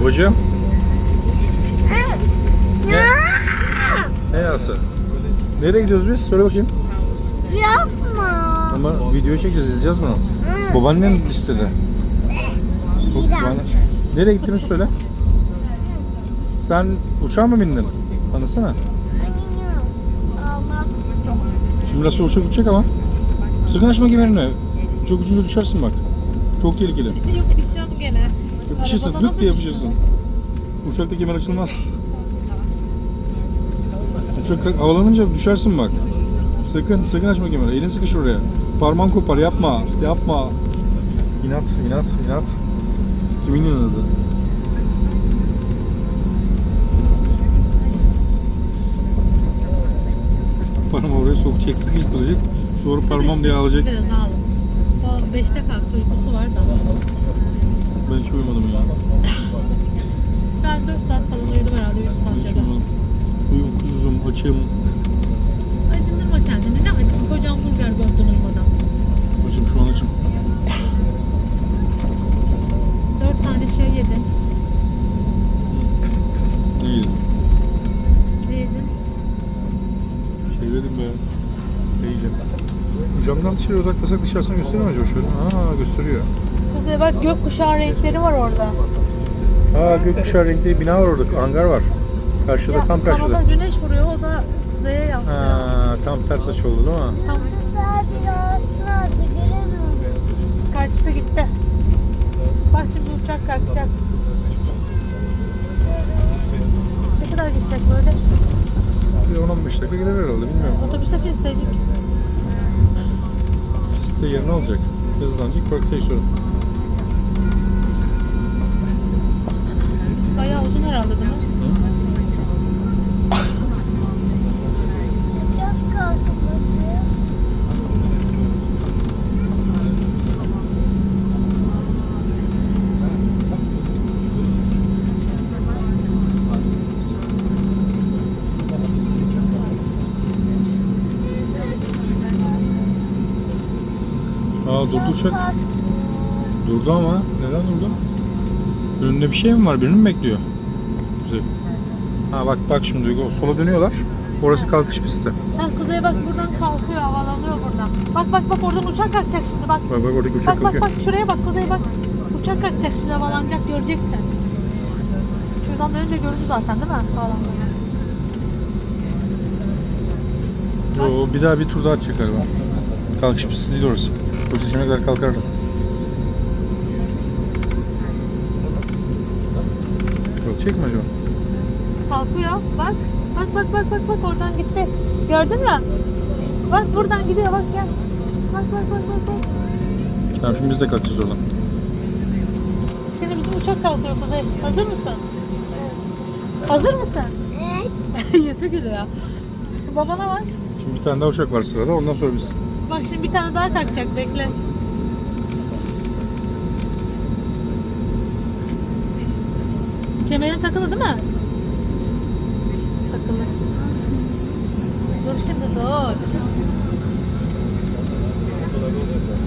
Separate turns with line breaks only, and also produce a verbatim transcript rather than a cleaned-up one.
Babacığım. Ne? Ne yası? Nereye gidiyoruz biz? Söyle bakayım.
Yapma.
Ama video çekeceğiz, izleyeceğiz bunu. Babaannen istedi. Bana... Nereye gittiğini söyle. Sen uçağa mı bindin? Anlasana. Şimdi biraz sonra uçak uçacak ama. Sakın açma kemerini. Çok ucunca düşersin bak. Çok tehlikeli.
Yapışacağım gene.
Yapışırsın,
Arabada
dık diye
nasıl
yapışırsın. Uçakta kemer açılmaz. Uçak havalanınca düşersin bak. Sakın, sakın açma kemeri. Elin sıkışır oraya. Parmağın kopar, yapma, yapma. İnat, inat, inat. Kimin inadı? Parmağı oraya sokacak, sıkıştıracak. Sonra parmağım diye alacak.
Biraz ağlasın. O beşte kalktı, uykusu var da.
Belki uyumadım ya.
Ben dört saat falan uyudum herhalde, üç saat
Belki
ya da.
uyumadım. Uykusuzum, açım.
Acındırma kendini. Ne acısın? Kocaman burger gömdün uyumadan.
Açım, şu an açım.
Dört tane şey yedin.
Ne yedim?
Ne yedin?
Şey yedim be. Ne yiyeceğim? Şu camdan dışarı odaklasak dışarısını gösteriyor mu acaba şöyle? Aa, gösteriyor.
Kuzey bak, gökkuşağı renkleri var orada.
Aa, gökkuşağı renkli bina var orada, hangar var. Karşıda,
Ya,
tam karşıda.
Kanada güneş vuruyor, o da kuzeye yansıyor.
Ha, tam ters açı oldu değil mi?
Tam
Sen binasını aldı, göremiyorum.
kaçtı gitti. Bak şimdi uçak kalkacak. Ne kadar gidecek böyle?
Bir on on beş dakika gider herhalde, bilmiyorum.
Otobüse binseydik.
Pistte yerini alacak. Hızlanacak, parkta sonra.
Biz bayağı uzun herhalde değil mi?
Çok korktum.
Aa, durdu uçak. Durdu ama. Neden durdu? Önünde bir şey mi var? Birini mi bekliyor? Güzel. Ha bak bak şimdi o sola dönüyorlar. Orası kalkış pisti.
Ha, Kuzey bak buradan kalkıyor, havalanıyor buradan. Bak bak bak, oradan uçak kalkacak şimdi bak.
Bak bak oradaki uçak
Bak bak
kalkıyor.
bak, şuraya bak Kuzey bak. Uçak kalkacak şimdi, havalanacak, göreceksin. Şuradan dönünce görürsün zaten değil mi? Havalanacak.
Yo, bir daha bir tur daha atacak galiba. Kalkış pisti değil orası. Pozisyona kadar kalkardım. Kalkacak mı acaba?
Kalkıyor bak. Bak bak bak bak bak, oradan gitti. Gördün mü? Bak buradan gidiyor, bak gel. Bak bak bak bak bak.
Tamam, şimdi biz de kalkacağız oradan.
Şimdi bizim uçak kalkıyor Kuzey. Hazır mısın? Hazır mısın?
Evet.
Yüzü gülüyor. Babana bak.
Şimdi bir tane daha uçak var sırada, ondan sonra biz.
Bak şimdi bir tane daha kalkacak, bekle. Kemerin takılı değil mi? Takılı. Dur şimdi, dur.